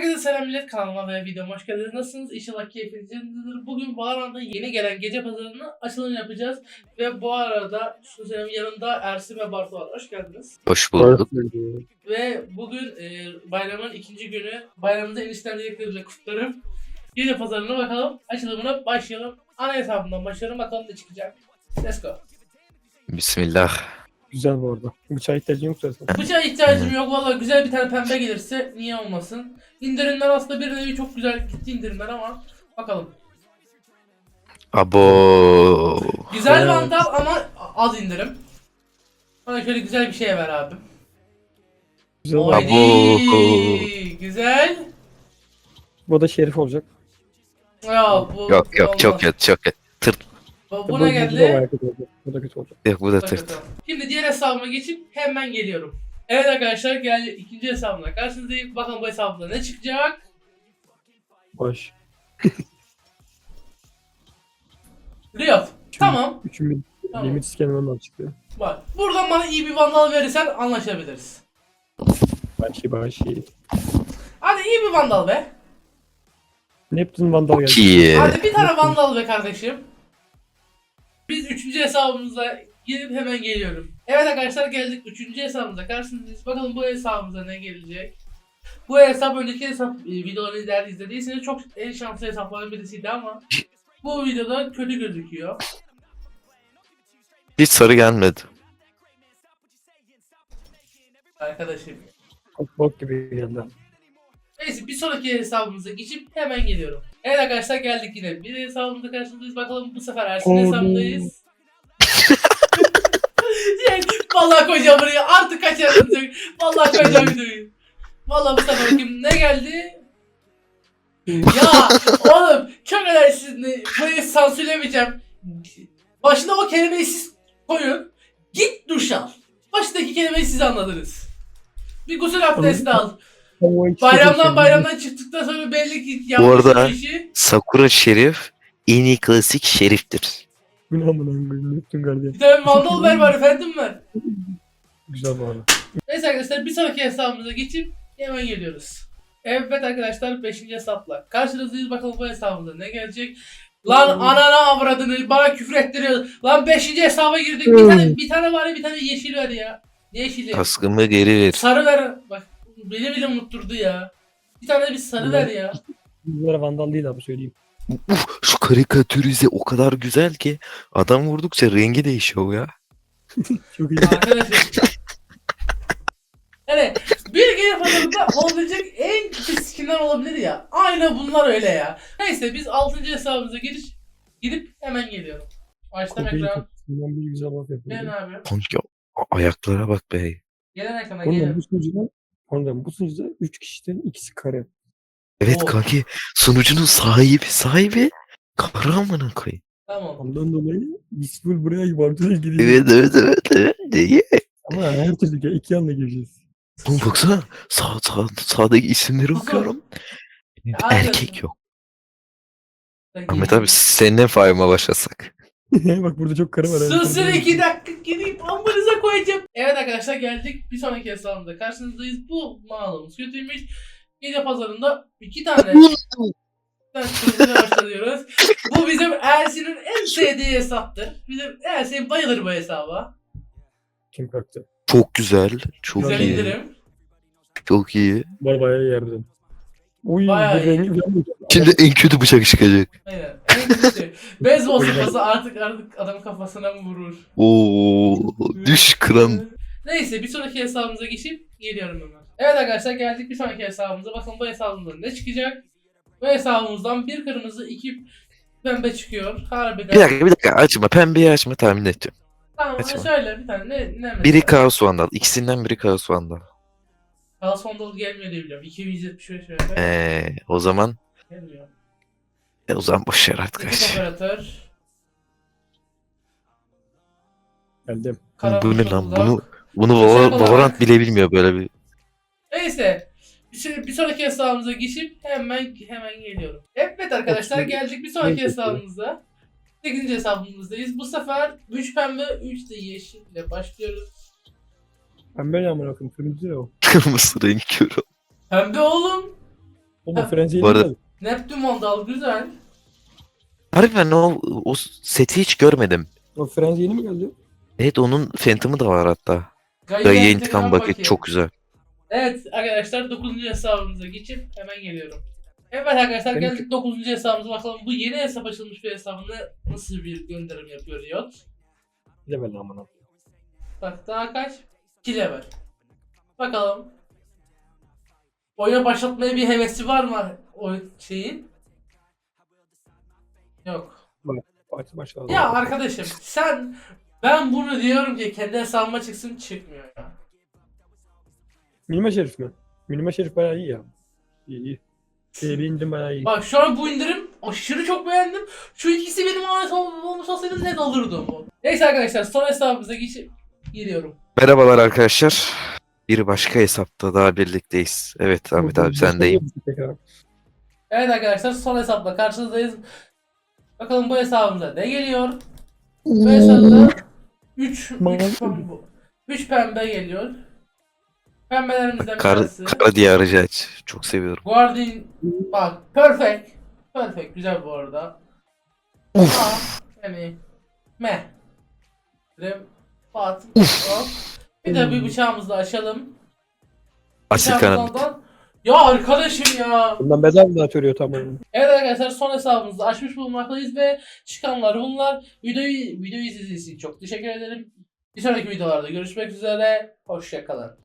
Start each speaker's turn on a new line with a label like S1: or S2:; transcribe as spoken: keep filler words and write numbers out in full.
S1: Herkese selam millet, kanalıma ve videoma hoş geldiniz. Nasılsınız? İnşallah keyfiniz yerindedir. Bugün Valorant'ta yeni gelen gece pazarının açılımını yapacağız. Ve bu arada şu senin yanında Ersin ve Bartu var. Hoş geldiniz.
S2: Hoş bulduk.
S1: Ve bugün e, bayramın ikinci günü. Bayramımızı enişten dileklerimle kutlarım. Gece pazarına bakalım. Açılımına başlayalım. Ana hesabından başlayalım. Bakalım ne çıkacak. Let's go.
S2: Bismillah.
S3: Güzel bu arada. Bıçağa ihtiyacın yoksa sen.
S1: Bıçağa ihtiyacım yok. Valla güzel bir tane pembe gelirse niye olmasın. İndirimler aslında bir nevi çok güzel gitti indirimler ama bakalım.
S2: Abo.
S1: Güzel
S3: Evet.
S1: vandal ama az indirim. Bana şöyle güzel bir şey ver abi.
S3: Güzel bu.
S1: Haydi.
S2: Abo.
S1: Güzel.
S3: Bu da şerif olacak.
S1: Ya bu
S2: Yok
S1: bu
S2: yok
S1: olmaz.
S2: çok kötü çok kötü. Tırt.
S1: Bu,
S3: Bu,
S1: bu
S3: bu
S1: ne
S3: da
S1: geldi?
S3: bayağı kötü olacak. Bu da kötü olacak.
S2: Yok bu da
S1: Bak
S2: tırt.
S1: bakalım. Şimdi diğer hesabıma geçip hemen geliyorum. Evet arkadaşlar geldi ikinci hesabımla karşınızdayım. Bakalım bu hesabımda ne çıkacak?
S3: Baş.
S1: Riot. Tamam.
S3: Üçün
S1: Tamam.
S3: limit iskenenden çıktı.
S1: Bak. Buradan bana iyi bir vandal verirsen anlaşabiliriz.
S3: Başi başi.
S1: Hadi iyi bir vandal be.
S3: Neptun Vandal geldi.
S2: Çok iyi.
S1: Hadi bir tane vandal be kardeşim. Biz üçüncü hesabımıza girip hemen geliyorum. Evet arkadaşlar geldik üçüncü hesabımıza karşınızdayız. Bakalım bu hesabımıza ne gelecek. Bu hesap önceki hesap e, videoları izler izlediyseniz çok en şanslı hesapların birisiydi ama bu videoda kötü gözüküyor.
S2: Hiç sarı gelmedi.
S1: Arkadaşım.
S3: Çok bok gibi geldi.
S1: Neyse bir sonraki hesabımıza geçip hemen geliyorum. Evet arkadaşlar geldik yine bir hesabımıza karşınızdayız. Bakalım bu sefer Ersin hesabındayız. Yani, vallahi koyacağım buraya artık kaçarım. Vallahi koyacağım videoyu. Vallahi bu sefer kim ne geldi? Ya oğlum çok önemli. Burayı sansürlemeyeceğim. Başına o kelimeyi siz koyun. Git duş al. Baştaki kelimeyi siz anladınız. Bir gusül abdesti al. Bayramdan bayramdan çıktıktan sonra belli ki yapmış
S2: arada-
S1: bu işi.
S2: Sakura Şerif en iyi klasik şeriftir.
S3: Bu ne amına koyayım Neptun gardiyan.
S1: Bir tane mandal ver var efendim var.
S3: Güzel bu arada.
S1: Neyse arkadaşlar bir sonraki hesabımıza geçip hemen geliyoruz. Evet arkadaşlar beşinci hesapla karşınızdayız, bakalım bu hesabımıza ne gelecek. Lan anana avradını bana küfür ettiriyor. Lan beşinci hesaba girdik. Bir tane bir tane var ya bir tane yeşil ver ya. Ne yeşili?
S2: Kaskımı geri ver.
S1: Sarı ver. Bak beni bile unutturdu ya. Bir tane de bir sarı ver ya.
S3: Bunlara Vandal değil abi söyleyeyim.
S2: Uf, şu karikatürize o kadar güzel ki adam vurdukça rengi değişiyor ya.
S3: Çok iyi.
S1: Arkadaşlar. Yani bir geri pazarında olabilecek en kötü skinler olabilir ya. Aynen bunlar öyle ya. Neyse biz altıncı hesabımıza giriş gidip hemen geliyorum. Açtım
S3: Kobeyi
S1: ekran.
S3: kapısından bir güzel laf
S1: Gelin
S3: yapıyor.
S1: abi.
S2: Kanka a- ayaklara bak be.
S1: Gelen ekrana
S3: Ondan
S1: gelin.
S3: bu sunucuda Ondan bu sunucuda üç kişiden ikisi kare.
S2: Evet
S1: Oo.
S2: kanki sunucunun sahibi sahibi kara amına koyayım.
S1: Tamam.
S3: Ondan dolayı biz full buraya yuvarlana gidiyor.
S2: Evet evet evet evet. Niye?
S3: Ama her türlü iki yanla gireceğiz.
S2: Oğlum baksana sağ, sağ, sağdaki isimleri
S1: Kusur.
S2: okuyorum.
S1: Aynen.
S2: Erkek yok. Ahmet abi seninle fayma başlasak.
S3: Bak burada çok karı var.
S1: Sus iki dakika gideyim amınıza koyacağım. Evet arkadaşlar geldik bir sonraki hesabımda karşınızdayız. Bu mağazamız kötüymüş. Gece pazarında iki tane Ben başlıyoruz. Bu bizim Ersin'in en sevdiği hesaptır. Bizim Ersin bayılır bu hesaba.
S3: Kim kalktı?
S2: Çok güzel. Çok
S1: Güzel
S2: iyi.
S1: indirim.
S2: Çok iyi.
S3: Var bayağı yerden. Uy
S1: Bayağı
S3: bu
S1: iyi.
S3: rengi falan da-
S2: Şimdi en kötü bıçak çıkacak.
S1: Aynen. En kötü. Beyzbol sopası artık artık adam kafasına mı vurur?
S2: Oo, düş kıran.
S1: Neyse bir sonraki hesabımıza geçip geliyorum hemen. Evet arkadaşlar geldik bir sonraki hesabımıza. Bakın bu hesabımızda ne çıkacak? Bu hesabımızdan bir kırmızı iki pembe çıkıyor. Harbiden.
S2: Bir dakika bir dakika açma. Pembeyi açma tahmin edeceğim.
S1: Tamam
S2: Açma.
S1: şöyle bir tane ne ne mesela?
S2: Biri Kaos Vandal. İkisinden biri Kaos Vandal.
S1: Kaos Vandal gelmiyor diye biliyorum. iki yüz yetmiş beş lira.
S2: Eee o zaman
S1: Gelmiyor.
S2: e, o zaman boş ver
S1: İki
S2: arkadaş.
S1: operatör.
S3: Geldim.
S2: Bu ne lan?
S1: Uzak.
S2: Bunu bunu
S1: Özel
S2: Valor-
S1: olarak-
S2: Valorant bile bilmiyor böyle bir.
S1: Neyse. Bir, şey- bir sonraki hesabımıza geçip hemen hemen geliyorum. Evet arkadaşlar
S3: Okey.
S1: geldik bir sonraki
S3: Okey.
S1: hesabımıza. sekizinci hesabımızdayız. Bu sefer üç pembe üç de yeşille başlıyoruz.
S3: Ben böyle amına koyayım. Turuncu ne o?
S2: Kırmızı renk körü.
S1: Pembe oğlum.
S3: Oğlum
S1: Ha,
S3: Frenzy'yi
S2: bu arada-
S3: mi?
S1: Neptün Vandal güzel.
S2: Harbiden o, o seti hiç görmedim.
S3: O Frenzy yeni mi geldi?
S2: Evet onun Phantom'ı da var hatta.
S1: Gayet
S2: Gayet
S1: intikam
S2: intikam paketi
S1: paketi.
S2: çok güzel.
S1: Evet arkadaşlar dokuzuncu hesabımıza geçip hemen geliyorum. Evet arkadaşlar
S3: Benim-
S1: geldik dokuzuncu hesabımıza bakalım bu yeni hesap açılmış bir hesabında nasıl bir gönderim yapıyor Riot.
S3: Level amına.
S1: Bak daha kaç? iki level. Bakalım. Oyuna başlatmaya bir hevesi var mı o şeyin? Yok.
S3: Parti başladı.
S1: Ya arkadaşım sen ben bunu diyorum ki kendi hesabıma çıksın çıkmıyor ya.
S3: Minima Şerif mi? Minima Şerif bayağı iyi ya. İyi iyi. Şeye bir indirim bayağı iyi.
S1: Bak şu an bu indirim aşırı çok beğendim. Şu ikisi benim ahmet olmuş olsaydı net alırdım o. Neyse arkadaşlar son hesabımıza geçip geliyorum.
S2: Merhabalar arkadaşlar. Bir başka hesapta daha birlikteyiz. Evet Ahmet abi sendeyim.
S3: Tekrar.
S1: Evet arkadaşlar son hesapla karşınızdayız. Bakalım bu hesabımıza ne geliyor? Bu hesapta üç üç pembe geliyor. Pembelerimizden bir
S2: Kar,
S1: tanesi.
S2: Kara Diyarıcı aç. Çok seviyorum.
S1: Guardian bak perfect. Perfect güzel bu arada. Ama yani meh. Rem Fat. Hop. Bir de bir bıçağımızı da açalım.
S2: Asil
S1: Bıçağımızdan
S2: Karanlık.
S1: da- Ya arkadaşım ya.
S3: Bundan bedava da atıyor tamam.
S1: Evet arkadaşlar son hesabımızı açmış bulunmaktayız ve çıkanlar bunlar. Videoyu videoyu izlediğiniz için çok teşekkür ederim. Bir sonraki videolarda görüşmek üzere. Hoşça kalın.